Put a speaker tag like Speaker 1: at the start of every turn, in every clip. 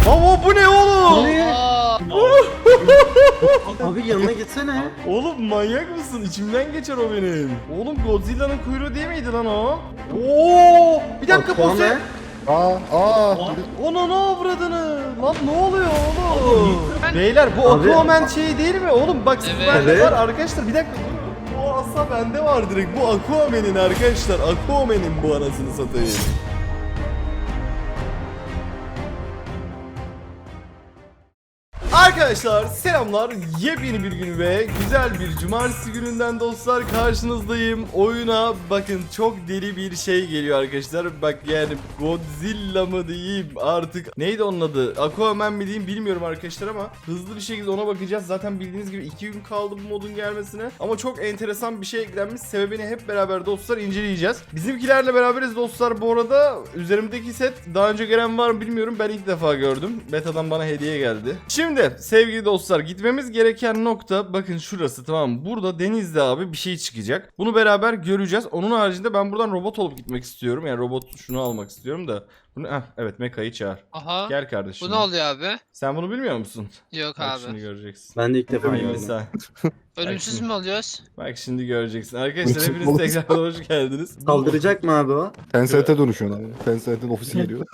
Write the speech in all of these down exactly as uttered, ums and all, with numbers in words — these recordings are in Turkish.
Speaker 1: Baba bu ne oğlum?
Speaker 2: Abi yanına gitsene.
Speaker 1: Oğlum manyak mısın? İçimden geçer o benim. Oğlum Godzilla'nın kuyruğu değil miydi lan o? Oo! Bir dakika
Speaker 2: Bak, o
Speaker 1: Buse.
Speaker 2: ne?
Speaker 3: Aa, aa.
Speaker 1: Ona ne avradını? Lan ne oluyor oğlum? Beyler bu
Speaker 2: Abi-
Speaker 1: Aquaman şey değil mi? Oğlum bak
Speaker 4: Evet.
Speaker 1: bende
Speaker 2: Evet.
Speaker 1: var arkadaşlar bir dakika. Bu asa bende var direkt. Bu Aquaman'in arkadaşlar. Aquaman'in bu anasını satayım. Arkadaşlar selamlar, yepyeni bir gün ve güzel bir cumartesi gününden dostlar karşınızdayım. Oyuna bakın çok deli bir şey geliyor arkadaşlar. Bak yani Godzilla mı diyeyim artık, neydi onun adı, Aquaman mi diyeyim bilmiyorum arkadaşlar ama hızlı bir şekilde ona bakacağız. Zaten bildiğiniz gibi iki gün kaldı bu modun gelmesine ama çok enteresan bir şey eklenmiş, sebebini hep beraber dostlar inceleyeceğiz. Bizimkilerle beraberiz dostlar. Bu arada üzerimdeki set daha önce gelen var mı bilmiyorum, ben ilk defa gördüm. Beta'dan bana hediye geldi. Şimdi sevgili dostlar gitmemiz gereken nokta bakın şurası, tamam mı? Burada denizde abi bir şey çıkacak. Bunu beraber göreceğiz. Onun haricinde ben buradan robot olup gitmek istiyorum. Yani robot şunu almak istiyorum da. Bunu, heh, evet Meka'yı çağır.
Speaker 4: Aha.
Speaker 1: Gel kardeşim.
Speaker 4: Bu ne oluyor abi?
Speaker 1: Sen bunu bilmiyor musun?
Speaker 4: Yok
Speaker 1: Bak
Speaker 4: abi.
Speaker 1: şimdi göreceksin.
Speaker 2: Ben de ilk defa
Speaker 1: Hayır,
Speaker 2: gördüm.
Speaker 1: sen.
Speaker 4: Ölümsüz mü oluyoruz?
Speaker 1: Bak şimdi göreceksin. Arkadaşlar
Speaker 3: Ölümsüz
Speaker 1: hepiniz
Speaker 3: olsun.
Speaker 1: tekrar hoş geldiniz.
Speaker 2: Saldıracak mı abi o?
Speaker 3: Tencent'e dönüşüyorsun abi. Tencent'in ofisi geliyor.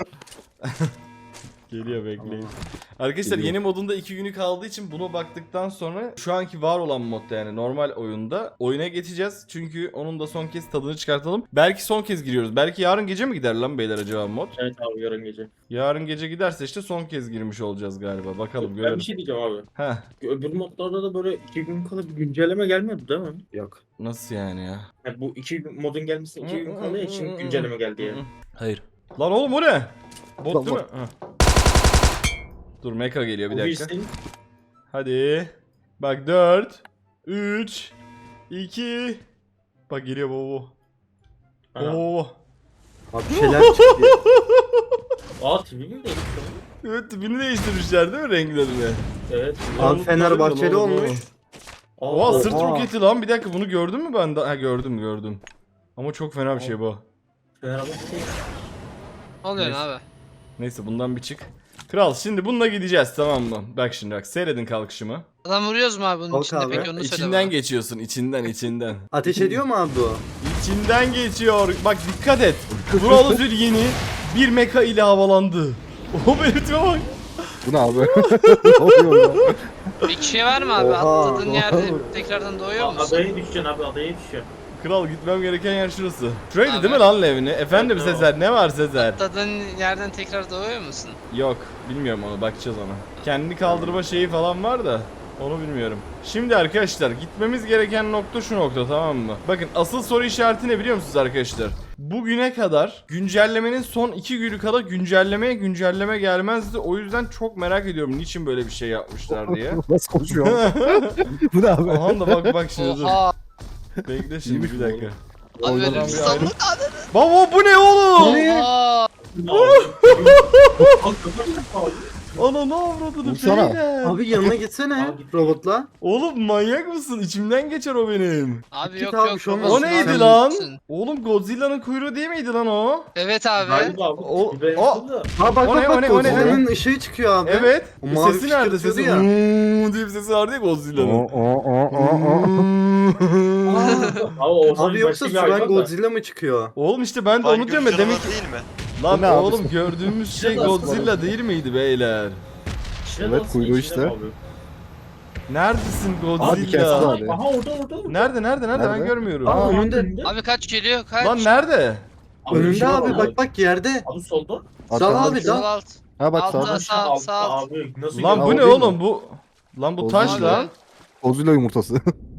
Speaker 1: Geliyor, bekleyin. Arkadaşlar
Speaker 3: Geliyor.
Speaker 1: yeni modunda iki günü kaldığı için buna baktıktan sonra şu anki var olan modda yani normal oyunda oyuna geçeceğiz. Çünkü onun da son kez tadını çıkartalım. Belki son kez giriyoruz. Belki yarın gece mi gider lan beyler acaba mod?
Speaker 5: Evet abi yarın gece.
Speaker 1: Yarın gece giderse işte son kez girmiş olacağız galiba. Bakalım
Speaker 5: Ben
Speaker 1: görelim.
Speaker 5: bir şey diyeceğim abi.
Speaker 1: Heh,
Speaker 5: Öbür modlarda da böyle iki gün kala bir güncelleme gelmiyordu değil mi?
Speaker 2: Yok.
Speaker 1: nasıl yani ya?
Speaker 5: Yani bu iki gün modun gelmesine iki gün kaldığı için güncelleme geldi yani.
Speaker 1: Hayır. Lan oğlum o ne? Bot
Speaker 3: Lan
Speaker 1: değil mi?
Speaker 3: bot.
Speaker 1: Heh. Dur Mecha geliyor bir
Speaker 5: Bu
Speaker 1: dakika.
Speaker 5: virüsün-
Speaker 1: Hadi. Bak dört, üç, iki. Bak geliyor baba.
Speaker 5: Aha.
Speaker 1: Oo.
Speaker 2: Abi bir şeyler çıktı.
Speaker 5: Aa T V mi değişti?
Speaker 1: Evet tipini değiştirmişler değil mi renklerini?
Speaker 5: Evet.
Speaker 2: Abi Fenerbahçeli olmuş.
Speaker 5: Aa,
Speaker 1: Oha sırt
Speaker 2: Oha.
Speaker 1: roketi lan, bir dakika bunu gördün mü ben de? Ha gördüm gördüm. Ama çok fena bir şey bu.
Speaker 5: Fenerbahçe.
Speaker 4: Ne oluyor
Speaker 1: Neyse.
Speaker 4: abi?
Speaker 1: Neyse bundan bir çık. Kral şimdi bununla gideceğiz, tamam mı? Bak şimdi bak seyredin kalkışımı.
Speaker 4: Adam vuruyoruz mu abi bunun
Speaker 2: Kalk
Speaker 4: içinde
Speaker 2: abi.
Speaker 4: peki onu söyle
Speaker 1: İçinden
Speaker 4: bana.
Speaker 1: geçiyorsun, içinden içinden.
Speaker 2: Ateş ediyor mu abi bu?
Speaker 1: İçinden geçiyor. Bak dikkat et. Buralı Zül yeni bir meka ile havalandı. O benim tipe bak.
Speaker 3: Bu ne abi? Ne oluyor ya?
Speaker 4: Bir kişiye var mı abi?
Speaker 2: Oha,
Speaker 4: Atladığın
Speaker 2: oha.
Speaker 4: yerde tekrardan doğuyor
Speaker 5: Aa,
Speaker 4: musun?
Speaker 5: adaya düşeceksin abi adaya düşeceksin.
Speaker 1: Kral gitmem gereken yer şurası. Şuraydı
Speaker 4: Abi.
Speaker 1: değil mi lan Levni? Efendim
Speaker 5: Evet,
Speaker 1: Sezer, ne var Sezer?
Speaker 4: Atladığın yerden tekrar doğuyor musun?
Speaker 1: Yok, bilmiyorum onu, bakacağız ona. Kendini kaldırma şeyi falan var da onu bilmiyorum. Şimdi arkadaşlar gitmemiz gereken nokta şu nokta, tamam mı? Bakın asıl soru işareti ne biliyor musunuz arkadaşlar? Bugüne kadar güncellemenin son iki günü kadar güncellemeye güncelleme gelmezdi. O yüzden çok merak ediyorum niçin böyle bir şey yapmışlar diye.
Speaker 3: Nasıl konuşuyor? Bu ne abi?
Speaker 1: Aha da bak bak şimdi dur.
Speaker 4: Oha.
Speaker 1: Bekle şimdi
Speaker 3: İyiymiş
Speaker 1: bir
Speaker 3: bu
Speaker 1: dakika.
Speaker 4: Abi
Speaker 1: Oynadan
Speaker 4: ölümsüz
Speaker 1: bir ayrı-
Speaker 4: sandık.
Speaker 1: Baba bu ne oğlum?
Speaker 4: Oha.
Speaker 1: Ana ne avradını
Speaker 3: Vursana.
Speaker 1: beyler.
Speaker 2: Abi yanına gitsene
Speaker 5: Abi.
Speaker 2: robotla.
Speaker 1: Oğlum manyak mısın? İçimden geçer o benim.
Speaker 4: Abi
Speaker 2: Git
Speaker 4: yok
Speaker 2: abi,
Speaker 4: yok.
Speaker 2: şu an-
Speaker 4: yok.
Speaker 1: O
Speaker 2: Olsun
Speaker 1: neydi
Speaker 2: abi.
Speaker 1: lan?
Speaker 4: Olsun.
Speaker 1: Oğlum Godzilla'nın kuyruğu değil miydi lan o?
Speaker 4: Evet abi.
Speaker 5: Galiba abi.
Speaker 1: O-
Speaker 5: Bir ben
Speaker 1: o-
Speaker 5: yaptım da.
Speaker 2: Ha bak
Speaker 1: O ne,
Speaker 2: bak
Speaker 1: o ne,
Speaker 2: bak
Speaker 1: o ne, o ne?
Speaker 2: Godzilla'nın ışığı çıkıyor abi.
Speaker 1: Evet.
Speaker 2: O
Speaker 1: E,
Speaker 2: mavi
Speaker 1: sesi nerede?
Speaker 2: fışkırtıyordu
Speaker 1: Sesi
Speaker 2: ya.
Speaker 1: "Hmm" diye bir sesi vardı ya
Speaker 3: O
Speaker 1: Godzilla'nın.
Speaker 3: o o o o.
Speaker 5: Abi, o zaman
Speaker 2: Abi yoksa
Speaker 5: başka bir hayvan
Speaker 2: sudan
Speaker 5: da.
Speaker 2: Godzilla mı çıkıyor?
Speaker 1: Oğlum işte ben de onu diyorum ya, demek ki...
Speaker 6: değil mi?
Speaker 1: Lan
Speaker 3: O ne abi?
Speaker 1: oğlum gördüğümüz şey
Speaker 5: Biraz
Speaker 1: Godzilla değil miydi beyler?
Speaker 5: İçine
Speaker 3: Evet,
Speaker 5: dalsın,
Speaker 3: kuyruğu
Speaker 5: içine
Speaker 3: işte.
Speaker 5: abi.
Speaker 1: Neredesin
Speaker 3: Abi kes
Speaker 1: Godzilla?
Speaker 3: lan. Hadi.
Speaker 5: Aha orada orada. orada.
Speaker 1: Nerede nerede nerede ben
Speaker 3: Nerede?
Speaker 1: görmüyorum.
Speaker 2: Aa,
Speaker 5: Aa,
Speaker 2: önünde.
Speaker 4: Abi kaç geliyor kaç?
Speaker 1: Lan nerede?
Speaker 2: Önünde
Speaker 5: içine
Speaker 2: abi
Speaker 5: bak
Speaker 2: bak bak yerde.
Speaker 5: Abi solda.
Speaker 2: Dal abi
Speaker 4: Sol
Speaker 2: dal.
Speaker 4: alt.
Speaker 3: Ha bak
Speaker 4: Altta.
Speaker 3: sağda.
Speaker 4: Sağ-
Speaker 5: Altta
Speaker 4: sağ alt.
Speaker 5: Abi nasıl
Speaker 1: Lan
Speaker 3: Ya,
Speaker 1: bu
Speaker 3: o
Speaker 1: ne
Speaker 3: değil
Speaker 1: oğlum
Speaker 3: mi?
Speaker 1: bu? Lan bu
Speaker 3: Godzilla.
Speaker 1: taş lan.
Speaker 3: Godzilla yumurtası.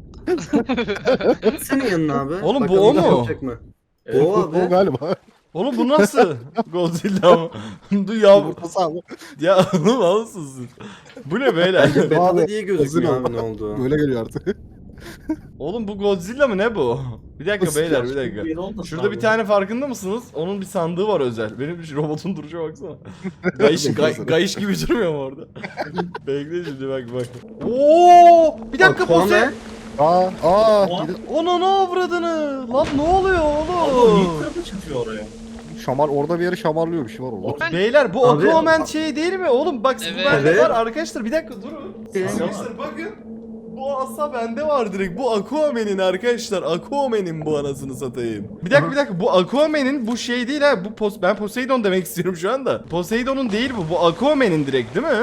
Speaker 2: Senin yanına abi.
Speaker 1: Oğlum, bu
Speaker 2: Bakalım
Speaker 1: o mu?
Speaker 2: yapacak mı?
Speaker 5: Evet.
Speaker 2: O abi.
Speaker 3: O galiba.
Speaker 1: Oğlum bu nasıl? Godzilla mı? Du ya
Speaker 3: Yumurtası abi.
Speaker 1: ya oğlum alsın. Bu ne beyler?
Speaker 2: Betalı
Speaker 3: Abi,
Speaker 2: diye gözükmüyor
Speaker 3: Godzilla.
Speaker 2: abi ne oldu.
Speaker 3: Böyle geliyor artık.
Speaker 1: Oğlum bu Godzilla mı ne bu? Bir dakika
Speaker 3: Nasıl
Speaker 1: beyler
Speaker 3: ya?
Speaker 1: bir dakika.
Speaker 5: Bir olmasın
Speaker 1: Şurada
Speaker 5: abi.
Speaker 1: bir tane farkında mısınız? Onun bir sandığı var özel. Benim şu robotun duruşa baksana. Gayış, gay, gayış gibi durmuyor mu orada? Bekle şimdi bak bak. Oo! Bir dakika
Speaker 2: Aquaman.
Speaker 1: Buse.
Speaker 3: Aa aa.
Speaker 5: Aa.
Speaker 1: Ona ne avradını? Lan ne oluyor
Speaker 5: Abi
Speaker 1: oğlum?
Speaker 5: niye kırmızı çıkıyor oraya?
Speaker 3: Şamar orada bir yere şamarlıyor, bir şey var orada.
Speaker 1: Beyler bu
Speaker 2: Abi-
Speaker 1: Aquaman şey değil mi? Oğlum bak bu
Speaker 4: Evet.
Speaker 1: bende
Speaker 2: Evet.
Speaker 1: var arkadaşlar, bir dakika durun. Arkadaşlar bakın. Bu asa bende var direkt. Bu Aquaman'in arkadaşlar. Aquaman'in bu anasını satayım. Bir dakika bir dakika, bu Aquaman'in bu şey değil ha. Bu pos ben Poseidon demek istiyorum şu anda. Poseidon'un değil bu. Bu Aquaman'in direkt değil mi?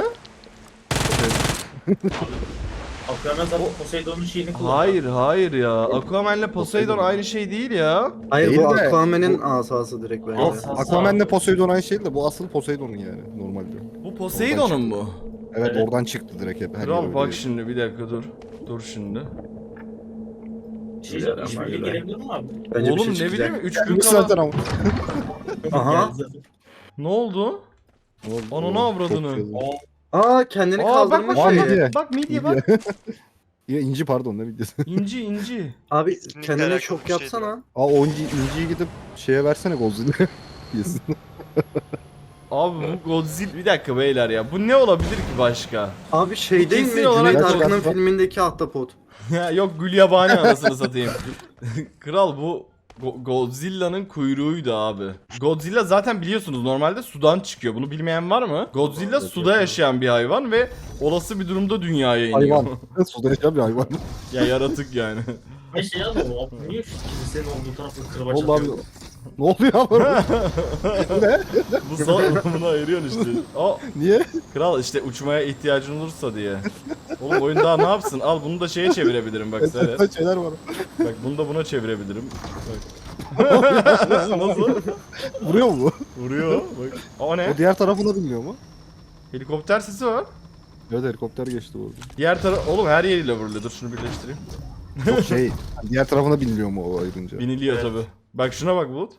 Speaker 5: Aquaman zaten Poseidon'un şeyini kullanıyor.
Speaker 1: Hayır hayır ya. Aquaman'le Poseidon aynı şey değil ya.
Speaker 2: Hayır
Speaker 3: Değil
Speaker 2: bu
Speaker 3: de-
Speaker 2: Aquaman'in asası direkt bence.
Speaker 5: Asası.
Speaker 3: Aquaman'le Poseidon aynı şey de bu asıl Poseidon'un yani normalde.
Speaker 1: Bu Poseidon'un mu?
Speaker 3: Evet,
Speaker 5: Evet.
Speaker 3: oradan çıktı direkt hep. her
Speaker 1: Kral
Speaker 3: yer
Speaker 1: bak
Speaker 3: öyle.
Speaker 1: şimdi bir dakika dur. Dur şimdi.
Speaker 5: Şey zaten işbirliği gelebilir mi abi?
Speaker 2: Bence
Speaker 1: Oğlum
Speaker 2: bir şey
Speaker 1: ne bileyim
Speaker 2: çıkacak.
Speaker 1: üç gün
Speaker 3: Gelmiş zaten
Speaker 1: kala.
Speaker 3: ama.
Speaker 2: Aha.
Speaker 1: Ne oldu?
Speaker 3: Ne oldu?
Speaker 1: Ananı
Speaker 3: Oo,
Speaker 1: avradını.
Speaker 3: çok güzel.
Speaker 2: Aa kendini
Speaker 1: Aa bak
Speaker 2: kaldırma
Speaker 1: bak
Speaker 3: Var
Speaker 1: bak
Speaker 3: mı
Speaker 2: şeyi.
Speaker 3: diye?
Speaker 1: bak, bak midye bak.
Speaker 3: Ya inci pardon ne videosu.
Speaker 1: İnci inci.
Speaker 2: Abi
Speaker 6: Kesinlikle
Speaker 2: kendine
Speaker 6: alakalı
Speaker 2: çok
Speaker 6: bir şeydi
Speaker 2: yapsana.
Speaker 3: Aa o inci, inciyi gidip şeye versene Godzilla. Yesin.
Speaker 1: Abi bu Godzilla, bir dakika beyler ya, bu ne olabilir ki başka?
Speaker 2: Abi şey değil mi?
Speaker 1: Kesin olarak-
Speaker 2: Cüneyt
Speaker 3: Bak,
Speaker 2: Arkın'ın
Speaker 3: bak, bak.
Speaker 2: filmindeki ahtapot.
Speaker 1: Ya yok Gülyabani anasını satayım. Kral bu Go- Godzilla'nın kuyruğuydu abi. Godzilla zaten biliyorsunuz normalde sudan çıkıyor. Bunu bilmeyen var mı? Godzilla suda yaşayan bir hayvan ve olası bir durumda dünyaya iniyor.
Speaker 3: Hayvan. Suda yaşayan bir hayvan.
Speaker 1: Ya yaratık yani.
Speaker 5: Ay şey abi o niye şu kilisenin olduğu tarafta kırbaç
Speaker 3: Oldu abi.
Speaker 5: atıyor?
Speaker 3: Ne oluyor abi? ne?
Speaker 1: Bu son bunu ayırıyorsun işte. Aa,
Speaker 3: Niye?
Speaker 1: kral işte uçmaya ihtiyacın olursa diye. Oğlum oyun daha ne yapsın? Al bunu da şeye çevirebilirim bak seyret.
Speaker 3: Enteresan şeyler var.
Speaker 1: Bak bunu da buna çevirebilirim. Bak. Nasıl?
Speaker 3: Vuruyor mu bu?
Speaker 1: Vuruyor. Bak. O ne?
Speaker 3: O diğer tarafına bilmiyor mu?
Speaker 1: Helikopter sesi var.
Speaker 3: Evet helikopter geçti orada.
Speaker 1: Diğer taraf oğlum her yeriyle vuruluyor. Dur şunu birleştireyim.
Speaker 3: Yok şey diğer tarafına bilmiyor mu o ayrınca?
Speaker 1: Biniliyor
Speaker 6: Evet.
Speaker 1: tabi. Bak şuna bak Bulut.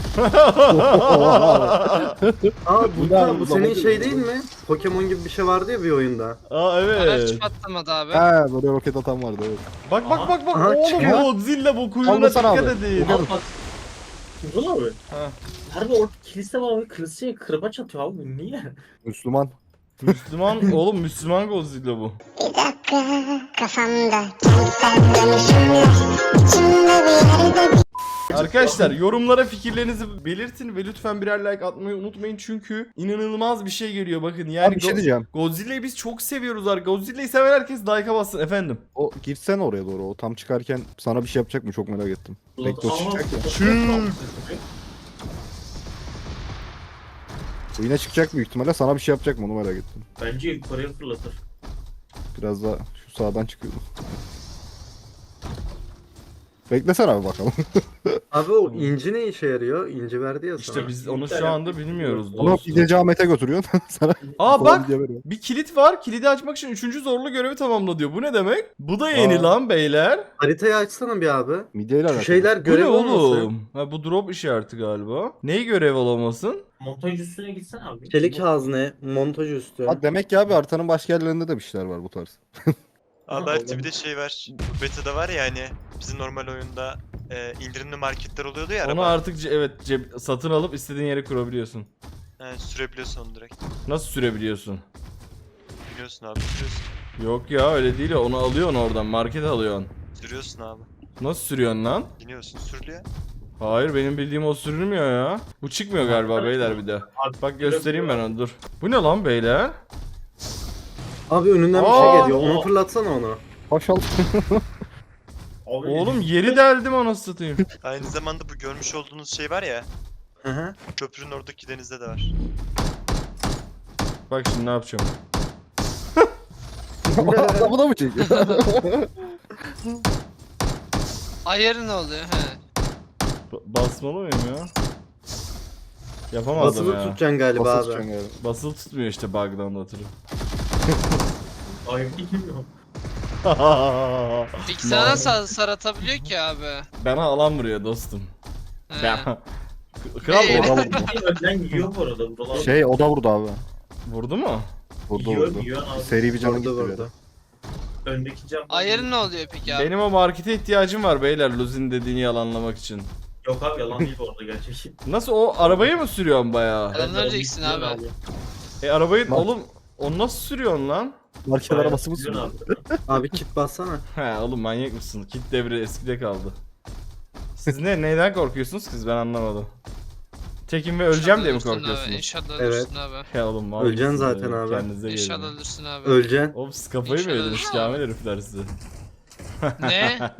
Speaker 2: Aa bu,
Speaker 3: Bu da-
Speaker 2: bu
Speaker 3: bu
Speaker 2: senin
Speaker 3: da-
Speaker 2: şey değil mi? Pokemon gibi bir şey vardı ya bir oyunda.
Speaker 1: Aa
Speaker 4: Araç
Speaker 1: evet.
Speaker 4: patlamadı abi.
Speaker 3: Ha böyle roket atan vardı evet.
Speaker 1: Bak bak bak bak.
Speaker 2: Aha,
Speaker 1: Oğlum
Speaker 2: çıkıyor.
Speaker 1: Godzilla bu kuyruğuna
Speaker 3: Kaldırsana
Speaker 1: dikkat
Speaker 3: abi.
Speaker 1: edin.
Speaker 5: Al bak. Kimdin abi?
Speaker 1: Ha.
Speaker 5: Harbi orada kilise var abi kiliseye kırbaç atıyor abi bu niye?
Speaker 3: Müslüman.
Speaker 1: Müslüman oğlum Müslüman Godzilla bu.
Speaker 7: Bir dakika kafamda kentsel dönüşümler içimde bir yerde bir
Speaker 1: Arkadaşlar yorumlara fikirlerinizi belirtin ve lütfen birer like atmayı unutmayın çünkü inanılmaz bir şey geliyor bakın yani
Speaker 3: Abi bir şey
Speaker 1: Go-
Speaker 3: diyeceğim.
Speaker 1: Godzilla'yı biz çok seviyoruz arkadaşlar. Godzilla'yı seven herkes like'a bassın efendim.
Speaker 3: O girsen oraya doğru. O tam çıkarken sana bir şey yapacak mı? Çok merak ettim. Bekle o çıkacak ya.
Speaker 1: Çık.
Speaker 3: O yine çıkacak büyük ihtimalle. Sana bir şey yapacak mı? Onu merak ettim.
Speaker 5: Bence yukarıya fırlatır.
Speaker 3: Biraz da şu sağdan çıkıyordu. Beklesene abi bakalım.
Speaker 2: Abi o inci ne işe yarıyor? İnci verdi ya sana.
Speaker 1: İşte biz onu şu anda bilmiyoruz
Speaker 3: Onu
Speaker 1: dostum.
Speaker 3: gideceği Ahmet'e götürüyorsun. Sana
Speaker 1: Aa
Speaker 3: falan
Speaker 1: bak
Speaker 3: diye veriyor.
Speaker 1: bir kilit var. Kilidi açmak için üçüncü zorlu görevi tamamla diyor. Bu ne demek? Bu da yeni
Speaker 3: Aa.
Speaker 1: lan beyler.
Speaker 2: Haritayı açsana bir abi.
Speaker 3: Midyeyle
Speaker 2: Şu
Speaker 3: alakalı.
Speaker 2: şeyler
Speaker 1: Bu ne
Speaker 2: görev olmasın.
Speaker 1: oğlum? Ha bu drop işareti galiba. Neyi görev olamasın?
Speaker 5: Montaj üstüne gitsen abi.
Speaker 2: Çelik hazne, montaj üstü.
Speaker 3: Ha, demek ki abi haritanın başka yerlerinde de bir şeyler var bu tarz.
Speaker 6: Abi belki bir de şey var. Bu beta'da var ya hani bizim normal oyunda e, indirimli marketler oluyordu ya
Speaker 1: Onu
Speaker 6: araba.
Speaker 1: artık ce- evet ceb- satın alıp istediğin yere kurabiliyorsun.
Speaker 6: Yani sürebiliyorsun onu direkt.
Speaker 1: Nasıl sürebiliyorsun?
Speaker 6: Biliyorsun abi sürüyorsun.
Speaker 1: Yok ya öyle değil ya. Onu alıyorsun oradan. Markete alıyorsun.
Speaker 6: Sürüyorsun abi.
Speaker 1: Nasıl sürüyorsun lan?
Speaker 6: Biniyorsun sürülüyor.
Speaker 1: Hayır benim bildiğim o sürülmüyor ya. Bu çıkmıyor galiba beyler bir de.
Speaker 5: Abi,
Speaker 1: Bak göstereyim ben onu dur. Bu ne lan beyler?
Speaker 2: Abi önünden bir
Speaker 1: Aa!
Speaker 2: şey geliyor. Onu fırlatsana onu.
Speaker 3: Paşal.
Speaker 5: Abi,
Speaker 1: Oğlum yeri deldim anasını satayım.
Speaker 6: Aynı zamanda bu görmüş olduğunuz şey var ya.
Speaker 2: Hı hı.
Speaker 6: Köprünün oradaki denizde de var.
Speaker 1: Bak şimdi ne yapacağım.
Speaker 3: Adamı da mı çekiyor?
Speaker 4: Ayarı ne oluyor? He.
Speaker 1: Ba- basmalı mıyım ya? Yapamazdım
Speaker 2: Basılı
Speaker 1: ya.
Speaker 2: tutacaksın galiba
Speaker 3: Basın
Speaker 2: abi.
Speaker 3: tutacaksın galiba.
Speaker 1: Basılı tutmuyor işte bug'dan ötürü.
Speaker 5: Ay bilmiyorum.
Speaker 4: Peki sana nasıl saratabiliyor ki abi?
Speaker 1: Bana alan vuruyor dostum.
Speaker 4: He.
Speaker 1: Ben... Kral
Speaker 4: Ee,
Speaker 1: o-
Speaker 3: O da vurdu.
Speaker 5: Önden yiyor bu arada buralar.
Speaker 3: Şey o da vurdu abi.
Speaker 1: vurdu mu?
Speaker 3: Vurdu
Speaker 5: Yiyor,
Speaker 3: vurdu.
Speaker 5: yiyor abi.
Speaker 3: Seri bir canı
Speaker 2: Vurdu
Speaker 3: gitti.
Speaker 2: vurdu.
Speaker 5: Öndeki cam.
Speaker 4: Ayarı ne oluyor peki abi?
Speaker 1: Benim o markete ihtiyacım var beyler Luzin dediğini yalanlamak için.
Speaker 5: Yok abi yalan değil bu arada gerçek.
Speaker 1: Nasıl o arabayı mı sürüyorsun bayağı?
Speaker 4: Adam öleceksin abi.
Speaker 1: E arabayı
Speaker 3: Bak.
Speaker 1: oğlum onu nasıl sürüyorsun lan?
Speaker 3: Market arabası mı sürüyor?
Speaker 2: Abi kit bassana.
Speaker 1: He oğlum manyak mısın? Kit devri eskide kaldı. Siz ne neyden korkuyorsunuz ki siz ben anlamadım. Tekim ve öleceğim diye mi
Speaker 4: İnşallah ölürsün abi,
Speaker 1: korkuyorsunuz?
Speaker 4: İnşallah
Speaker 2: Evet.
Speaker 4: ölürsün abi.
Speaker 1: Ya oğlum mal
Speaker 2: Öleceksin
Speaker 1: mısınız
Speaker 2: zaten
Speaker 1: ya?
Speaker 2: abi.
Speaker 1: Kendinize gelin.
Speaker 4: İnşallah ölürsün abi.
Speaker 2: Öleceksin.
Speaker 1: Oğlum siz kafayı mı
Speaker 4: İnşallah
Speaker 1: yediniz
Speaker 4: ölürsün.
Speaker 1: Kamil herifler size?
Speaker 4: Ne?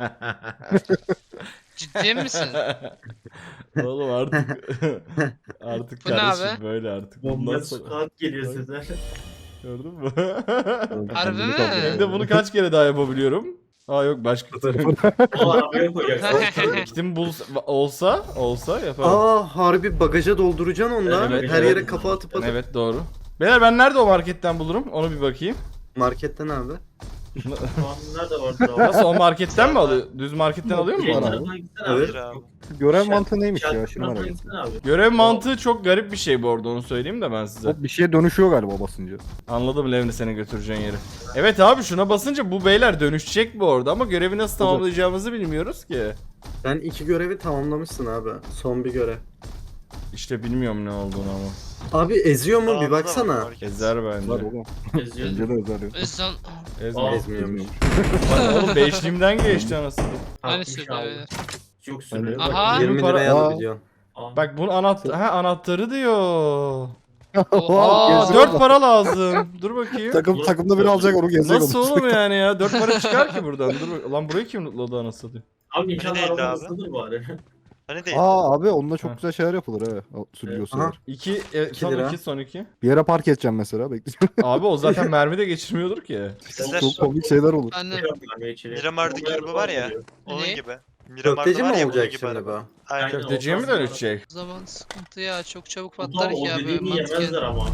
Speaker 4: Ciddi misin?
Speaker 1: Oğlum artık artık
Speaker 4: Bu ne
Speaker 1: kardeşim
Speaker 4: abi?
Speaker 1: böyle artık. Bundan
Speaker 5: Bomba
Speaker 1: sonra
Speaker 5: squad geliyor size.
Speaker 1: gördün mü?
Speaker 4: Harbi mi?
Speaker 1: Hem de bunu kaç kere daha yapabiliyorum? Aa yok başka
Speaker 5: O arabaya koyacaksın.
Speaker 1: kitim bulsa olsa olsa yaparım.
Speaker 2: Aa harbi bagaja dolduracaksın onda.
Speaker 1: Evet,
Speaker 2: Her
Speaker 1: evet.
Speaker 2: yere kafa atıp atıp.
Speaker 1: Evet doğru. Beyler ben nerede o marketten bulurum? Onu bir bakayım.
Speaker 2: Marketten abi.
Speaker 5: Şu an nerede var?
Speaker 1: Nasıl o marketten mi alıyor? Düz marketten alıyor mu bana?
Speaker 2: Evet.
Speaker 6: Hayır abi.
Speaker 3: Görev
Speaker 5: Şey-
Speaker 3: mantığı neymiş ya? Şunu merak ettim.
Speaker 5: Abi.
Speaker 1: Görev mantığı çok garip bir şey bu arada onu söyleyeyim de ben size.
Speaker 3: O bir şeye dönüşüyor galiba basınca.
Speaker 1: Anladım Levni seni götüreceğin yeri. Evet abi şuna basınca bu beyler dönüşecek bu arada ama görevi nasıl tamamlayacağımızı bilmiyoruz ki.
Speaker 2: Sen iki görevi tamamlamışsın abi. Son bir görev.
Speaker 1: İşte bilmiyorum ne olduğunu ama.
Speaker 2: Abi eziyor mu
Speaker 6: Dağda da
Speaker 2: bir
Speaker 6: var
Speaker 2: baksana.
Speaker 6: market.
Speaker 1: Ezer
Speaker 3: Var
Speaker 1: bence.
Speaker 3: oğlum. Bence de özel yok.
Speaker 4: Özcan
Speaker 1: Ezme.
Speaker 5: Aa.
Speaker 2: Ezmiyormuş.
Speaker 1: Bak oğlum beşliğimden geçti anasını.
Speaker 4: aynı söylüyor beyler.
Speaker 5: Yok sürüyor.
Speaker 4: Aha.
Speaker 2: yirmi
Speaker 1: para-
Speaker 2: liraya
Speaker 3: Aa.
Speaker 2: alabiliyorsun.
Speaker 1: Bak bunun anahtarı, ha anahtarı diyor.
Speaker 4: Oha,
Speaker 1: Aa
Speaker 3: geziyor
Speaker 1: dört
Speaker 3: da.
Speaker 1: para lazım. Dur bakayım.
Speaker 3: Takım, takımda biri alacak onu gezecek
Speaker 1: Nasıl
Speaker 3: onu.
Speaker 1: oğlum yani ya? dört para çıkar ki buradan. Dur lan burayı kim lootladı anasını satayım.
Speaker 5: Abi inşallah
Speaker 6: Neydi
Speaker 5: araba
Speaker 6: abi?
Speaker 5: hızlıdır bari.
Speaker 6: Hani değil.
Speaker 3: Aa abi onunla
Speaker 1: Ha.
Speaker 3: çok güzel şeyler yapılır he. O Sürücüsü
Speaker 2: Aha.
Speaker 3: var.
Speaker 1: iki, e,
Speaker 2: İki
Speaker 1: son
Speaker 2: lira.
Speaker 1: iki, son iki.
Speaker 3: Bir yere park edeceğim mesela bekleyeceğim.
Speaker 1: Abi o zaten mermi de geçirmiyordur ki.
Speaker 6: Sizler
Speaker 3: Çok komik şeyler olur.
Speaker 4: Anne
Speaker 6: Miramar'daki araba var ya. Onun
Speaker 4: Ne?
Speaker 6: gibi. Miramar'da
Speaker 2: Köfteci
Speaker 6: var
Speaker 2: mi
Speaker 6: ya bunun
Speaker 2: olacak
Speaker 6: gibi
Speaker 2: şimdi
Speaker 6: araba.
Speaker 2: bu?
Speaker 6: Aynen.
Speaker 5: Aynen.
Speaker 1: Köfteciye mi dönüşecek?
Speaker 4: o zaman sıkıntı ya çok çabuk
Speaker 5: Patlar
Speaker 4: patlar
Speaker 5: o
Speaker 4: ki abi.
Speaker 5: dediğini
Speaker 4: Mantıken.
Speaker 5: yemezler ama.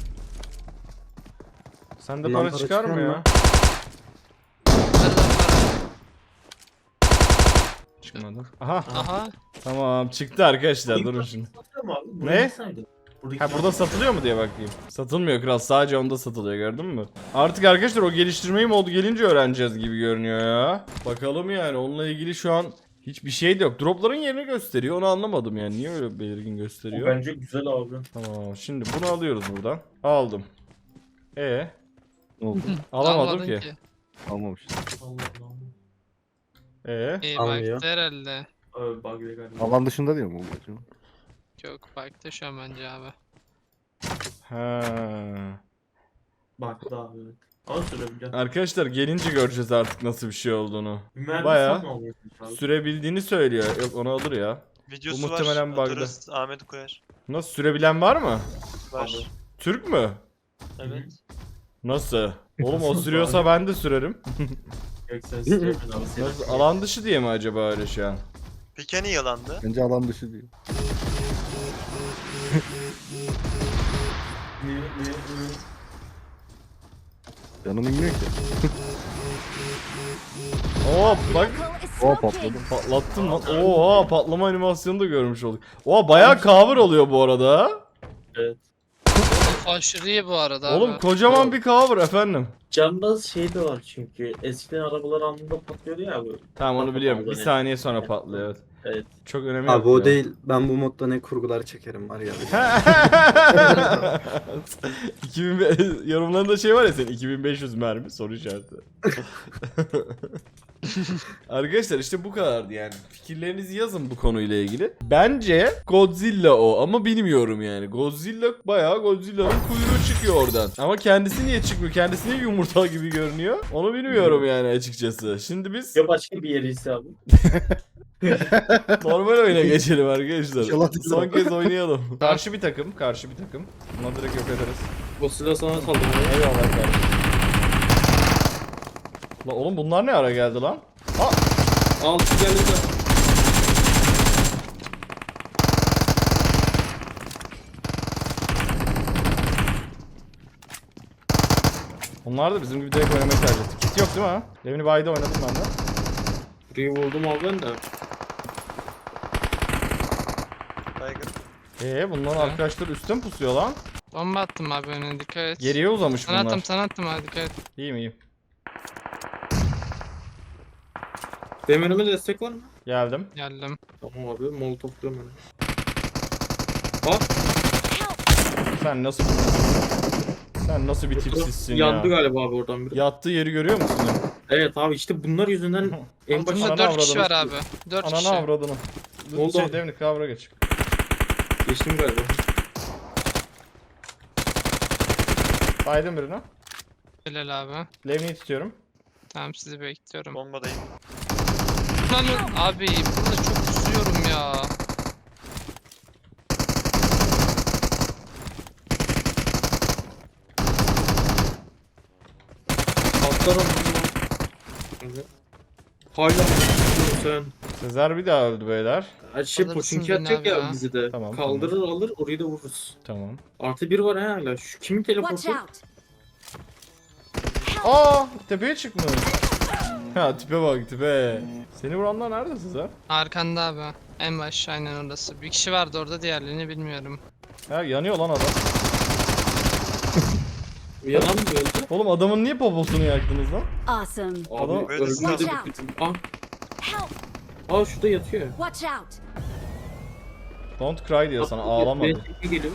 Speaker 1: Sende
Speaker 2: Bundan
Speaker 1: para
Speaker 2: para
Speaker 1: çıkar mı
Speaker 2: çıkar
Speaker 1: ya?
Speaker 2: mı?
Speaker 4: Nereden para?
Speaker 1: Çıkmadı. Aha
Speaker 4: Aha.
Speaker 1: tamam çıktı arkadaşlar durun şimdi. Ne? Ha burada satılıyor mu diye bakayım. Satılmıyor kral sadece onda satılıyor gördün mü? Artık arkadaşlar o geliştirmeyi modu gelince öğreneceğiz gibi görünüyor ya. Bakalım yani onunla ilgili şu an hiçbir şey de yok. Dropların yerini gösteriyor onu anlamadım yani niye öyle belirgin gösteriyor.
Speaker 5: Bence güzel abi.
Speaker 1: Tamam şimdi bunu alıyoruz buradan. Aldım. E
Speaker 3: Ne oldu?
Speaker 1: alamadım
Speaker 4: Almadın
Speaker 1: ki.
Speaker 3: Almamış.
Speaker 5: Allah Allah.
Speaker 1: E
Speaker 4: İyi
Speaker 2: Almıyor.
Speaker 4: baktı herhalde.
Speaker 5: Abi bug galiba.
Speaker 3: Alan dışında değil mi bu? acaba?
Speaker 4: Yok baktı şu an bence abi.
Speaker 1: ha.
Speaker 5: Baktı abi. Al sürebileceğim.
Speaker 1: Arkadaşlar gelince göreceğiz artık nasıl bir şey olduğunu.
Speaker 5: Mühendis
Speaker 1: Bayağı
Speaker 5: satın alıyorsun abi.
Speaker 1: Sürebildiğini söylüyor. Yok onu alır ya.
Speaker 6: Videosu
Speaker 1: Bu muhtemelen
Speaker 6: var.
Speaker 1: bug'da.
Speaker 6: Atarız. Ahmet koyar.
Speaker 1: Nasıl sürebilen var mı?
Speaker 6: Var.
Speaker 5: Abi.
Speaker 1: Türk mü?
Speaker 6: Evet.
Speaker 1: Nasıl? Oğlum o sürüyorsa ben de sürerim.
Speaker 5: Yok sen sürebilirsin abi. Senin-
Speaker 1: Nasıl? Alan dışı diye mi acaba öyle şu an?
Speaker 6: Peki hani yalandı?
Speaker 3: Bence alan dışı değil.
Speaker 5: Ne, ne, ne?
Speaker 3: Canım inmiyor ki.
Speaker 1: Oo bak
Speaker 3: O patladı.
Speaker 1: patlattım lan. Oha patlama animasyonu da görmüş olduk. Oha bayağı cover oluyor bu arada.
Speaker 5: Evet.
Speaker 4: Aşırı iyi bu arada
Speaker 1: Oğlum
Speaker 4: abi.
Speaker 1: kocaman bir cover efendim.
Speaker 5: Cambaz şey de var çünkü. Eskiden arabalar anında patlıyordu ya abi.
Speaker 1: Tamam onu
Speaker 5: Patlamaz
Speaker 1: biliyorum. Bir
Speaker 5: hani.
Speaker 1: saniye sonra patlıyor. Evet.
Speaker 5: Evet.
Speaker 1: Çok önemli.
Speaker 2: Abi o değil. Ben bu modda ne kurgular çekerim var ya.
Speaker 1: iki bin be- yorumlarında şey var ya senin iki bin beş yüz mermi soru işareti. Arkadaşlar işte bu kadardı yani. Fikirlerinizi yazın bu konuyla ilgili. Bence Godzilla o ama bilmiyorum yani. Godzilla bayağı Godzilla'nın kuyruğu çıkıyor oradan. Ama kendisi niye çıkmıyor? Kendisi niye yumurta gibi görünüyor? Onu bilmiyorum yani açıkçası. Şimdi biz
Speaker 5: Ya başka bir yeri ise abi.
Speaker 1: normal oyuna geçelim arkadaşlar.
Speaker 3: İnşallah
Speaker 1: Son kez oynayalım. Karşı bir takım, karşı bir takım. Buna direkt yok ederiz.
Speaker 5: O silah sana saldırıyor.
Speaker 1: Eyvallah kardeşim. Lan oğlum bunlar ne ara geldi lan?
Speaker 5: Al şu geldi de.
Speaker 1: Onlar da bizim gibi direkt oynamayı tercih etti. Kit yok değil mi ha? Levni Bay'da oynadım ben de.
Speaker 5: Burayı vurdum abi ben de.
Speaker 6: Baygın.
Speaker 1: Eee bunların arkadaşlar üstten pusuyor lan.
Speaker 4: Bomba attım abi önüne dikkat et.
Speaker 1: Geriye uzamış
Speaker 4: Sana attım
Speaker 1: bunlar.
Speaker 4: sana attım abi dikkat et.
Speaker 1: İyiyim iyiyim.
Speaker 5: Benim önüme destek var mı?
Speaker 1: Geldim.
Speaker 4: Geldim.
Speaker 5: Tamam abi molotof diyorum ben.
Speaker 1: Sen nasıl Sen nasıl bir tipsizsin ya?
Speaker 5: Yandı galiba abi oradan biri.
Speaker 1: Yattığı yeri görüyor musun?
Speaker 5: Evet abi işte bunlar yüzünden en
Speaker 1: Altında
Speaker 5: başta
Speaker 1: Ananı
Speaker 4: Altında dört kişi var
Speaker 1: avradını.
Speaker 4: abi. dört
Speaker 1: Ananı
Speaker 4: kişi.
Speaker 1: avradını.
Speaker 5: Ne oldu
Speaker 1: Şey
Speaker 5: abi?
Speaker 1: Devnik kavra geç.
Speaker 5: Geçtim galiba.
Speaker 1: Baydım birini.
Speaker 4: Helal abi.
Speaker 1: Levni'yi tutuyorum.
Speaker 4: Tamam sizi bekliyorum.
Speaker 6: Bombadayım.
Speaker 4: Lan abi burada çok kusuyorum ya.
Speaker 5: Atlarım. Hala mı sen?
Speaker 1: Sezer bir daha öldü beyler.
Speaker 5: Her şey
Speaker 4: Alırsın
Speaker 5: poçinki
Speaker 4: beni
Speaker 5: atacak
Speaker 4: abi
Speaker 5: ya
Speaker 4: ya.
Speaker 5: bizi de.
Speaker 1: Tamam,
Speaker 5: Kaldırır alır orayı da vururuz.
Speaker 1: Tamam.
Speaker 5: Artı bir var ha hala. Şu kimin
Speaker 7: Watch
Speaker 5: teleportu?
Speaker 7: out!
Speaker 1: Aa, tepeye çıkmış. Ha, tipe bak tipe. Seni vuranlar nerede Sezer?
Speaker 4: Arkanda abi. En baş aynen orası. Bir kişi vardı orada, diğerlerini bilmiyorum.
Speaker 1: Ha, yanıyor lan adam.
Speaker 5: Yalan mı öldü?
Speaker 1: Oğlum adamın niye poposunu yaktınız lan?
Speaker 7: Awesome!
Speaker 1: Adam-
Speaker 5: Abi
Speaker 6: Böyle
Speaker 5: ölmedi
Speaker 7: Watch
Speaker 5: bir
Speaker 7: out.
Speaker 5: bütün. Ah,
Speaker 7: Help!
Speaker 5: aa şurada yatıyor.
Speaker 7: Watch out!
Speaker 1: Don't cry diyor sana,
Speaker 5: Bak,
Speaker 1: ağlama
Speaker 5: benim
Speaker 1: diyor.
Speaker 5: tekne geliyor.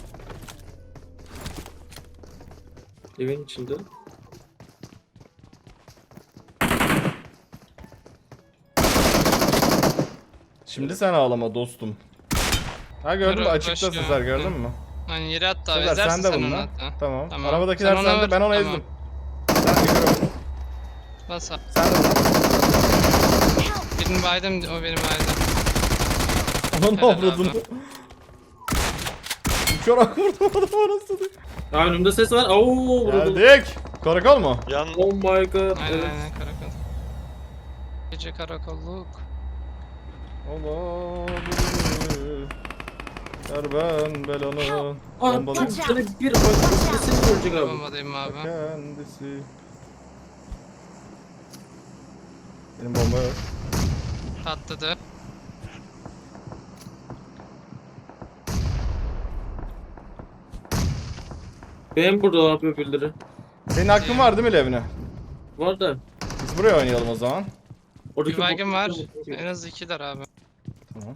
Speaker 5: Evin içinde.
Speaker 1: Şimdi sen ağlama dostum. Ha gördün mü,
Speaker 4: Dur,
Speaker 1: açıkta
Speaker 4: başka.
Speaker 1: Sezer, gördün
Speaker 4: Hı.
Speaker 1: mü?
Speaker 4: Hani yere attı abi.
Speaker 1: Sezer
Speaker 4: Ezersin
Speaker 1: sen de
Speaker 4: sen onu
Speaker 1: bununla.
Speaker 4: hatta.
Speaker 1: Tamam.
Speaker 4: Tamam.
Speaker 1: Arabadakiler
Speaker 4: Sen ona
Speaker 1: sende,
Speaker 4: vur,
Speaker 1: ben onu
Speaker 4: tamam.
Speaker 1: ezdim. Sen de gör.
Speaker 4: Bas abi.
Speaker 1: Sen de vur.
Speaker 4: Birini baydım, o benim baydım.
Speaker 1: Ona ne
Speaker 4: Helal
Speaker 1: avradın?
Speaker 4: abi.
Speaker 1: Uçarak vurdum adamı anasını.
Speaker 5: Aa önümde ses var. Oo vuruldu.
Speaker 1: Geldik. Karakol mu?
Speaker 6: Yan
Speaker 5: Oh my god.
Speaker 4: Aynen
Speaker 5: Evet.
Speaker 4: aynen karakol. Gece karakolluk.
Speaker 1: Allah Ver ben belanı.
Speaker 5: Aa
Speaker 1: Bombalı
Speaker 5: çok şöyle bir bak sesini görecek abi.
Speaker 4: Bombadayım abi.
Speaker 1: kendisi. Benim bomba yok.
Speaker 4: Patladı.
Speaker 5: Benim burada abi öbürleri.
Speaker 1: Senin hakkın var değil mi Levne?
Speaker 5: Var da.
Speaker 1: Biz buraya oynayalım o zaman.
Speaker 5: Oradaki
Speaker 4: Bir baygın var.
Speaker 5: bot-
Speaker 4: En az ikiler abi.
Speaker 1: Tamam.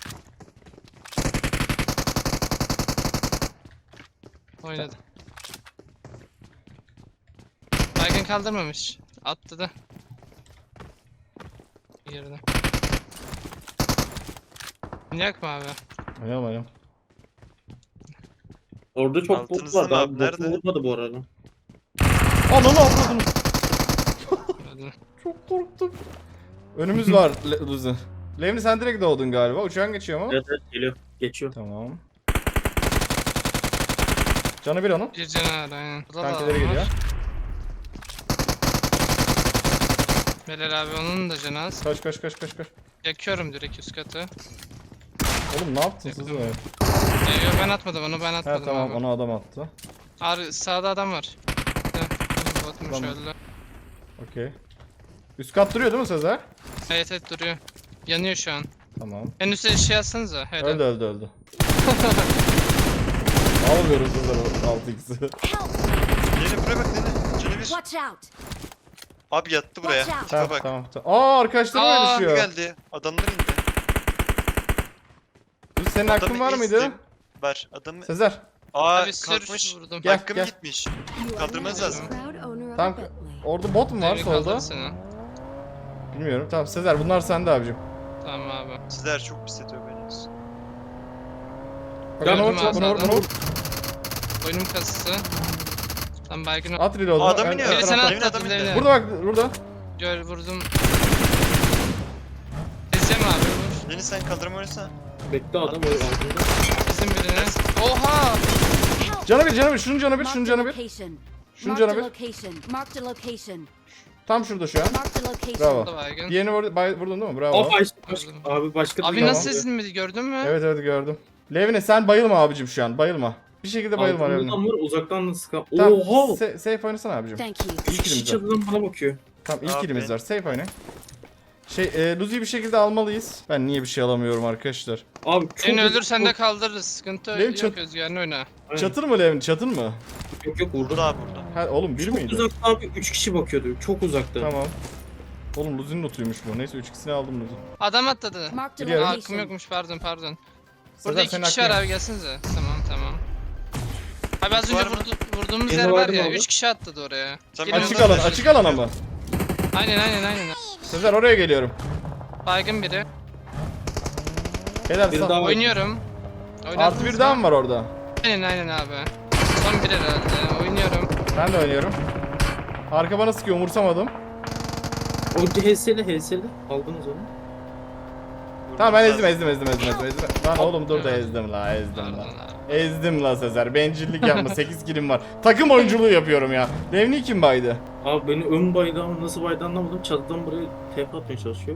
Speaker 4: Oynadı. Baygın kaldırmamış. Attı da. Girdi. Yak mı abi?
Speaker 1: Oynayalım oynayalım.
Speaker 5: Orada çok bot
Speaker 6: Altınızda
Speaker 5: vardı
Speaker 6: mı
Speaker 5: abi.
Speaker 6: abi?
Speaker 5: Botu
Speaker 6: Nerede?
Speaker 5: vurmadı bu arada.
Speaker 1: Ananı avradını.
Speaker 4: Öldü.
Speaker 1: Çok korktum. Önümüz var Le- Luzi. Levni sen direkt doğdun galiba. Uçağın geçiyor mu?
Speaker 5: Evet evet geliyor. Geçiyor.
Speaker 1: Tamam. Canı bir onun.
Speaker 4: Bir canavar aynen. Burada da
Speaker 1: Kankileri
Speaker 4: adam
Speaker 1: geliyor.
Speaker 4: var. Belal abi onun da cenaz.
Speaker 1: Kaç kaç kaç kaç kaç.
Speaker 4: Yakıyorum direkt üst katı.
Speaker 1: Oğlum ne yaptın siz böyle?
Speaker 4: Ee, yok ben atmadım onu, ben
Speaker 1: Ha
Speaker 4: atmadım
Speaker 1: tamam
Speaker 4: abi.
Speaker 1: ona adam attı.
Speaker 4: Abi sağda adam var. Heh, Botmuş
Speaker 1: Tamam.
Speaker 4: öldü.
Speaker 1: Okey. Üst kat duruyor değil mi Sezer?
Speaker 4: Evet evet duruyor. Yanıyor şu an.
Speaker 1: Tamam.
Speaker 4: En üstte şey yazsanıza. Helal.
Speaker 1: Öldü öldü öldü. Almıyoruz Sezer o altı x'i.
Speaker 7: Help!
Speaker 6: Yeni buraya bak Nene. Canı bir.
Speaker 7: Watch out!
Speaker 6: Abi yattı buraya.
Speaker 7: Watch out.
Speaker 6: Tipe
Speaker 1: Tamam
Speaker 6: bak.
Speaker 1: tamam. tamam. Aa arkadaşlarım
Speaker 4: Aa,
Speaker 6: Kim
Speaker 1: yarışıyor.
Speaker 6: geldi? Adamlar indi.
Speaker 1: Luzi, senin hakkın
Speaker 6: Adamı
Speaker 1: var mıydı?
Speaker 6: ezdim. Var. Adamı...
Speaker 1: Sezer.
Speaker 6: Aa
Speaker 4: Abi sür
Speaker 6: kalkmış.
Speaker 4: vurdum.
Speaker 1: Gel,
Speaker 6: Hakkım
Speaker 1: gel.
Speaker 6: gitmiş.
Speaker 7: You are
Speaker 6: Kaldırmanız
Speaker 7: now
Speaker 6: lazım.
Speaker 7: the proud owner of
Speaker 1: Tamam.
Speaker 7: a Bentley.
Speaker 1: Orada bot mu var
Speaker 4: Devri
Speaker 1: solda?
Speaker 4: kaldır seni.
Speaker 1: Bilmiyorum. Tamam Sezer bunlar sende abicim.
Speaker 4: Tamam abi.
Speaker 6: Sizler çok pis ediyor beni.
Speaker 1: Bak
Speaker 5: Ya,
Speaker 1: bunu vur,
Speaker 4: Gördüm
Speaker 1: bunu vur,
Speaker 4: abi.
Speaker 1: bunu vur.
Speaker 4: Oyunum kasısı. Tam baygın ol.
Speaker 1: At reload'u.
Speaker 6: Aa, adam
Speaker 1: Ön-
Speaker 6: iniyor.
Speaker 1: ön
Speaker 4: Biri sen
Speaker 1: tarafta.
Speaker 6: Emin
Speaker 4: atladın
Speaker 6: adam indi.
Speaker 4: Leyla.
Speaker 1: Burada bak burada.
Speaker 4: Gör vurdum. Ezeceğim abi vur.
Speaker 6: Yeni sen kaldırma oynasana.
Speaker 5: Bekle adam öyle altında.
Speaker 4: Bizim birine. Oha!
Speaker 7: Help!
Speaker 1: Canı bir canı bir. Şunun canı bir.
Speaker 7: Marked
Speaker 1: Şunun
Speaker 7: a
Speaker 1: canı bir.
Speaker 7: location.
Speaker 1: Şunun
Speaker 7: Marked
Speaker 1: canı
Speaker 7: a
Speaker 1: bir.
Speaker 7: location. Marked a location.
Speaker 1: Tam şurada şu an.
Speaker 7: Marked a location.
Speaker 1: Bravo.
Speaker 4: Da baygın.
Speaker 1: Diğerini vur, bay- vurdun değil mi? Bravo.
Speaker 5: Abi başka, başka, abi başka
Speaker 4: Abi
Speaker 5: bir
Speaker 4: nasıl
Speaker 5: adam.
Speaker 4: ezilmedi gördün mü?
Speaker 1: Evet evet gördüm. Levine sen bayılma abicim şu an. Bayılma. Bir şekilde bayılma
Speaker 5: Altında
Speaker 1: Levine.
Speaker 5: adam var uzaktan da sıkan.
Speaker 1: Tamam.
Speaker 5: Oha!
Speaker 1: se- safe oynasana abicim.
Speaker 7: Thank you.
Speaker 1: İlk
Speaker 5: Üç kişi
Speaker 1: kilimiz var.
Speaker 5: çatıdan bana bakıyor.
Speaker 1: Tamam ilk
Speaker 6: Abi.
Speaker 1: kilimiz var. Safe oynayın. Şey, e, Luzi'yi bir şekilde almalıyız. Ben niye bir şey alamıyorum arkadaşlar?
Speaker 5: Abi çok
Speaker 4: Seni
Speaker 5: uzak-
Speaker 4: ölürsen de kaldırırız. Sıkıntı
Speaker 1: Benim
Speaker 4: yok
Speaker 1: çok-
Speaker 4: Özgür'ünü oyna.
Speaker 5: Aynen.
Speaker 1: Çatır mı Levin? Çatır mı?
Speaker 5: Yok yok vurdu.
Speaker 6: Burada abi burada.
Speaker 1: Ha oğlum bir
Speaker 5: Çok
Speaker 1: miydi?
Speaker 5: uzakta abi üç kişi bakıyordu. Çok uzakta.
Speaker 1: Tamam. Oğlum Luzi'nin lootuymuş bu. Neyse üç ikisini aldım Luzi.
Speaker 4: Adam atladı.
Speaker 7: Marked a
Speaker 1: Biliyorum.
Speaker 4: Aa, hakkım
Speaker 7: location.
Speaker 4: yokmuş pardon pardon.
Speaker 1: Sezer,
Speaker 4: Burada iki
Speaker 1: senin
Speaker 4: kişi
Speaker 1: hakkın
Speaker 4: var
Speaker 1: yok.
Speaker 4: abi gelsenize. Tamam tamam. Abi az
Speaker 6: Var
Speaker 4: önce
Speaker 6: mı?
Speaker 4: vurdu, vurduğumuz
Speaker 5: Yeni
Speaker 4: yer
Speaker 5: var
Speaker 4: var
Speaker 5: mı
Speaker 4: ya.
Speaker 5: abi?
Speaker 4: Üç kişi atladı oraya.
Speaker 6: Sen
Speaker 4: Gelin
Speaker 1: Açık
Speaker 4: oradan
Speaker 1: alan,
Speaker 4: taşıyın.
Speaker 1: açık alan ama.
Speaker 4: Aynen aynen aynen.
Speaker 1: Sezer oraya geliyorum.
Speaker 4: Baygın biri.
Speaker 1: Helal
Speaker 5: Bir
Speaker 1: sana.
Speaker 5: daha-
Speaker 4: Oynuyorum.
Speaker 1: Artı
Speaker 4: Oynadınız
Speaker 1: bir daha
Speaker 4: mı?
Speaker 1: mı var orada?
Speaker 4: Aynen aynen abi. Son bir herhalde. Oynuyorum.
Speaker 1: Ben de oynuyorum. Arka bana sıkıyor, umursamadım.
Speaker 5: O H S'li H S'li. Aldınız onu.
Speaker 1: Tamam ben
Speaker 6: Vurdum
Speaker 1: ezdim ezdim ezdim ezdim ezdim. Lan oğlum dur da ezdim la ezdim
Speaker 4: Pardon
Speaker 1: la.
Speaker 4: abi.
Speaker 1: Ezdim la Sezer. Bencillik yapma. sekiz kilim var. Takım oyunculuğu yapıyorum ya. Devni kim baydı?
Speaker 5: Abi beni ön baydı ama nasıl baydı anlamadım. Çatıdan buraya tep atmaya çalışıyor.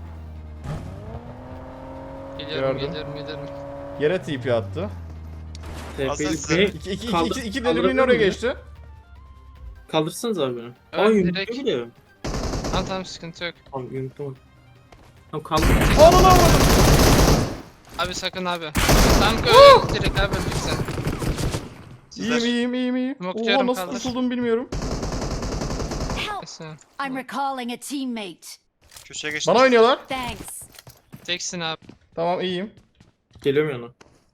Speaker 4: Geliyorum
Speaker 1: Gördüm.
Speaker 4: geliyorum geliyorum.
Speaker 1: Yere T P attı.
Speaker 5: T P'yi
Speaker 6: Aslında
Speaker 5: B
Speaker 1: İki, iki, iki,
Speaker 5: Kaldır-
Speaker 1: iki, iki
Speaker 5: kaldırabilir
Speaker 1: delimin oraya
Speaker 5: miyim?
Speaker 1: geçti.
Speaker 5: kaldırsanız abi beni.
Speaker 4: Evet,
Speaker 5: Aa
Speaker 4: direkt.
Speaker 5: yumrukluyor bile.
Speaker 4: Tamam tamam sıkıntı yok.
Speaker 5: Tamam yumruklamadım. Tamam kaldır.
Speaker 1: Ananı avradım.
Speaker 4: Abi sakın abi. Tam öyle direkt abi öldük sen.
Speaker 1: İyiyim iyiyim iyiyim iyiyim.
Speaker 4: Smoke
Speaker 1: Oha
Speaker 4: diyorum,
Speaker 1: nasıl
Speaker 4: kaldır.
Speaker 1: kurtuldum bilmiyorum.
Speaker 8: Help!
Speaker 4: Neyse.
Speaker 8: I'm recalling a teammate.
Speaker 6: Köşeye geçtim.
Speaker 1: Bana oynuyorlar.
Speaker 8: Thanks.
Speaker 4: Teksin abi.
Speaker 1: Tamam iyiyim.
Speaker 5: Geliyorum yana.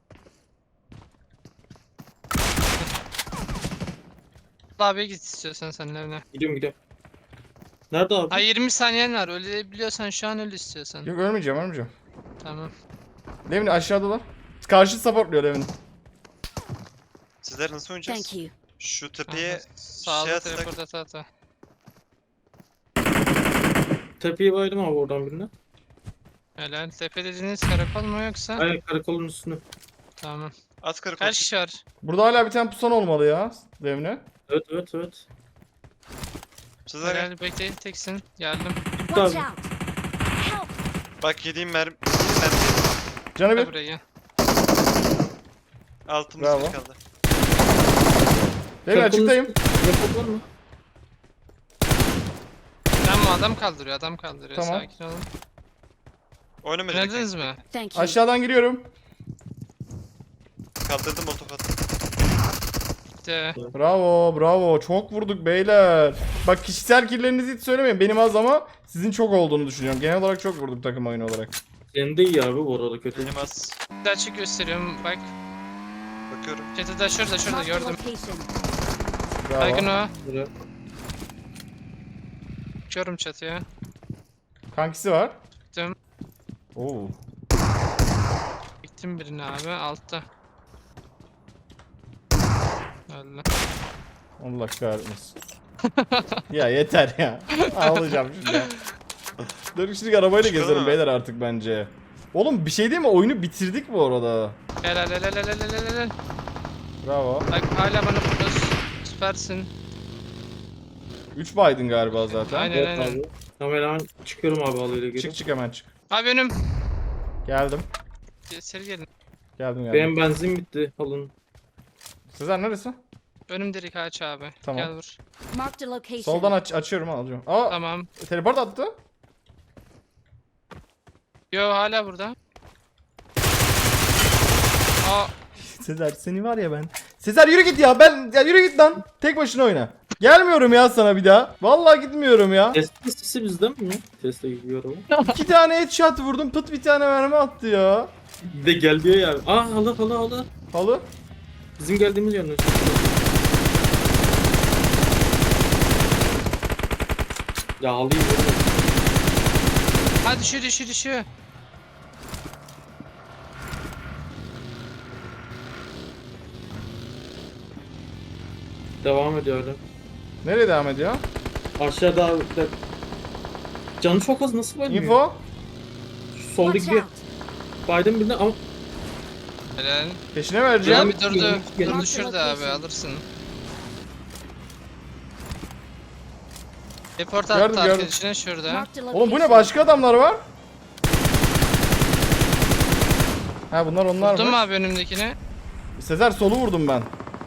Speaker 4: Abi git istiyorsan sen evine.
Speaker 5: Gidiyorum gidiyorum. Nerede abi?
Speaker 4: Ha yirmi saniyen var. Ölebiliyorsan şu an öl istiyorsan.
Speaker 1: Yok ölmeyeceğim ölmeyeceğim.
Speaker 4: Tamam.
Speaker 1: Devni aşağıdalar. Karşı supportluyor Devni.
Speaker 6: Sizler nasıl oynayacağız?
Speaker 8: Thank you.
Speaker 6: Şu tepeye
Speaker 4: Aha, Sağda
Speaker 6: şey atsak-
Speaker 4: teleport ata ata.
Speaker 5: Tepeye baydım abi oradan birine.
Speaker 4: Helal. Tepe dediğiniz karakol mu yoksa?
Speaker 5: Aynen karakolun üstüne.
Speaker 4: Tamam.
Speaker 6: at karakol.
Speaker 4: Kaç kişi var?
Speaker 1: Burada hala bir tane pusan olmalı ya Devni.
Speaker 5: Evet evet evet.
Speaker 6: Sizler
Speaker 4: Helal bekle teksin. Geldim.
Speaker 5: Gitti
Speaker 8: Watch
Speaker 5: abi.
Speaker 8: out! Help!
Speaker 6: bak yediğim mermi. Yediğim mermi.
Speaker 1: Canı
Speaker 4: Gel
Speaker 1: bir.
Speaker 4: buraya gel.
Speaker 6: Altımız
Speaker 1: Bravo.
Speaker 6: bir kaldı.
Speaker 1: Devni
Speaker 5: Karakolun
Speaker 1: açıktayım.
Speaker 5: üstüne- Rakop var mı?
Speaker 4: Tamam adam kaldırıyor adam kaldırıyor.
Speaker 1: Tamam.
Speaker 4: Sakin olun.
Speaker 6: Oynamadık.
Speaker 4: Oynadınız mı?
Speaker 8: Thank you.
Speaker 1: Aşağıdan giriyorum.
Speaker 6: Kaldırdım molotof attım.
Speaker 4: Bitti.
Speaker 1: Bravo bravo çok vurduk beyler. Bak kişisel killerinizi hiç söylemeyin. Benim az ama sizin çok olduğunu düşünüyorum. Genel olarak çok vurduk takım oyunu olarak.
Speaker 5: Senin de iyi abi bu arada kötü.
Speaker 6: Benim az.
Speaker 4: Bir daha açık gösteriyorum. Bak.
Speaker 6: Bakıyorum.
Speaker 4: Çatıda şurada şurada
Speaker 8: Marked a
Speaker 4: gördüm.
Speaker 8: location.
Speaker 4: Baygın
Speaker 1: Bravo.
Speaker 4: o.
Speaker 5: Buraya.
Speaker 4: Çıkıyorum çatıya.
Speaker 1: Kankisi var.
Speaker 4: Gittim.
Speaker 1: Oo.
Speaker 4: Gittim birine abi altta. Öldü.
Speaker 1: Allah kahretmesin. ya yeter ya. Ağlayacağım şimdi ya. Dur şimdi arabayla
Speaker 6: Çıkalım
Speaker 1: gezelim
Speaker 6: mı?
Speaker 1: beyler artık bence. Oğlum bir şey değil mi? Oyunu bitirdik bu arada.
Speaker 4: Helal helal helal helal helal.
Speaker 1: Bravo.
Speaker 4: Bak hala bana fokus. Süpersin.
Speaker 1: üç baydın galiba zaten.
Speaker 4: Aynen
Speaker 5: Evet
Speaker 4: aynen.
Speaker 5: abi. Tamam hemen çıkıyorum abi alıyla geri.
Speaker 1: Çık çık hemen çık.
Speaker 4: Abi önüm.
Speaker 1: Geldim.
Speaker 4: Seri gelin.
Speaker 1: Geldim geldim.
Speaker 5: Benim benzin bitti alın.
Speaker 1: Sezer neresi?
Speaker 4: Önüm direkt aç abi.
Speaker 1: Tamam.
Speaker 4: Gel vur.
Speaker 8: Marked a location.
Speaker 1: Soldan aç açıyorum alacağım. Aa
Speaker 4: Tamam.
Speaker 1: teleport attı.
Speaker 4: Yo hala burada. Aa
Speaker 1: Sezer seni var ya ben. Sezer yürü git ya ben ya yürü git lan. Tek başına oyna. Gelmiyorum ya sana bir daha. Vallahi gitmiyorum ya.
Speaker 5: Test listesi bizden mi? Teste gidiyor ama.
Speaker 1: İki tane headshot vurdum pıt bir tane mermi attı ya.
Speaker 5: Bir de gel diyor ya. Aa hala hala hala.
Speaker 1: Halı.
Speaker 5: Bizim geldiğimiz yönde. Ya halıyı görüyorum.
Speaker 4: hadi düşüyor düşüyor düşüyor.
Speaker 5: Devam ediyor öyle.
Speaker 1: Nereye devam ediyor?
Speaker 5: Aşağıda abi. bir dakika. Canı çok az nasıl böyle?
Speaker 1: Info.
Speaker 5: Şu soldaki
Speaker 8: Watch
Speaker 5: bir
Speaker 8: out!
Speaker 5: baydım birine ama
Speaker 4: Helal.
Speaker 1: Peşine vereceğim.
Speaker 4: Abi durdu.
Speaker 5: Gel-
Speaker 4: Durdu şurada abi alırsın. Report
Speaker 1: Gördüm,
Speaker 4: attı
Speaker 1: gördüm.
Speaker 4: arkadaşına şurada.
Speaker 8: Marked a
Speaker 1: Oğlum bu ne
Speaker 8: location.
Speaker 1: başka adamlar var? Ha bunlar onlar
Speaker 4: Vurdun mu
Speaker 1: mı?
Speaker 4: abi önümdekini?
Speaker 1: Sezer solu vurdum ben.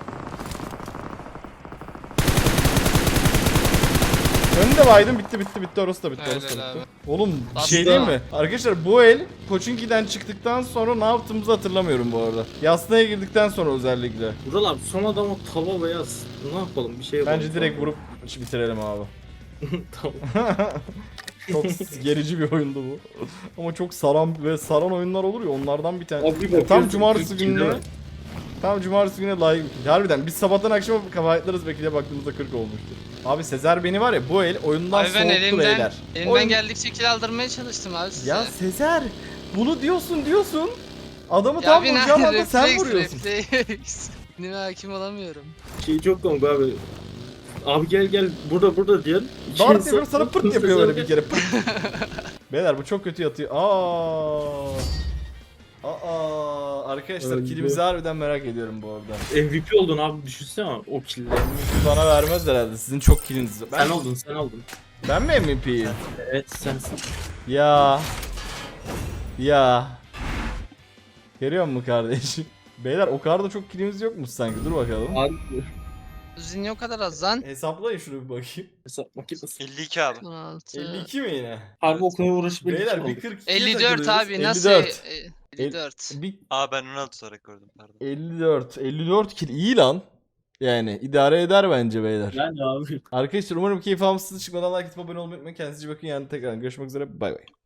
Speaker 1: Önünde baydım bitti bitti bitti orası da bitti
Speaker 4: Helal
Speaker 1: orası da bitti.
Speaker 4: abi.
Speaker 1: Oğlum bir şey
Speaker 4: Aslında-
Speaker 1: değil mi? Arkadaşlar bu el Koçinki'den çıktıktan sonra ne yaptığımızı hatırlamıyorum bu arada. Yasnaya girdikten sonra özellikle.
Speaker 5: Vural abi son adam o tava beyaz. Ne yapalım bir şey yapalım.
Speaker 1: Bence direkt vurup işi bitirelim abi.
Speaker 5: Tamam.
Speaker 1: Çok gerici bir oyundu bu. Ama çok saran ve saran oyunlar olur ya onlardan bir tane.
Speaker 5: Abi bir
Speaker 1: tam
Speaker 5: bakıyorsun,
Speaker 1: cumartesi
Speaker 5: kırk
Speaker 1: gününe.
Speaker 5: kilo var.
Speaker 1: Tam cumartesi gününe layık. Harbiden biz sabahtan akşama kavayetlarız belki de baktığımızda kırk olmuştur. Abi Sezer beni var ya bu el oyundan
Speaker 4: Abi ben
Speaker 1: soğuttu
Speaker 4: elimden,
Speaker 1: beyler.
Speaker 4: elimden
Speaker 1: Oyun-
Speaker 4: geldikçe kill aldırmaya çalıştım abi size.
Speaker 1: Ya Sezer bunu diyorsun diyorsun. Adamı
Speaker 4: Ya
Speaker 1: tam
Speaker 4: bir
Speaker 1: vuracağım
Speaker 4: ne-
Speaker 1: anda sen
Speaker 4: refleks,
Speaker 1: vuruyorsun.
Speaker 4: refleks. Kendime hakim olamıyorum.
Speaker 5: Şey çok komik abi. Abi gel gel burada burada diyen. İki
Speaker 1: Dart
Speaker 5: insan-
Speaker 1: yapıyor sana pırt yapıyor böyle bir kere pırt. Beyler bu çok kötü yatıyor. Aa. Aa arkadaşlar
Speaker 5: Öldü.
Speaker 1: kilimizi harbiden merak ediyorum bu arada.
Speaker 5: M V P oldun abi düşünsene o kill'leri.
Speaker 1: Bana vermez herhalde. Sizin çok kiliniz var. Ben,
Speaker 5: Sen oldun sen oldun.
Speaker 1: ben mi M V P'yim?
Speaker 5: Evet sensin.
Speaker 1: Ya. Ya. Görüyor musun kardeşim? Beyler o kadar da çok kilimiz yokmuş sanki. Dur bakalım.
Speaker 5: Abi
Speaker 4: Uzun o kadar az lan.
Speaker 1: Hesaplayın şunu bir bakayım.
Speaker 5: hesap makinesi.
Speaker 6: elli iki abi.
Speaker 4: on altı.
Speaker 1: elli iki mi yine?
Speaker 5: Harbi okula uğraşıp
Speaker 1: Beyler bir kırk ikiye
Speaker 4: elli dört
Speaker 1: takılıyoruz.
Speaker 4: abi nasıl?
Speaker 1: elli dört.
Speaker 4: e, elli dört.
Speaker 1: Bir
Speaker 6: Aa ben on altı olarak gördüm pardon.
Speaker 1: elli dört. elli dört kill iyi lan. Yani idare eder bence beyler.
Speaker 5: Yani abi.
Speaker 1: Arkadaşlar umarım keyif almışsınız. Çıkmadan like atıp abone olmayı unutmayın. Kendinize iyi bakın. Yani tekrar görüşmek üzere. Bay bay.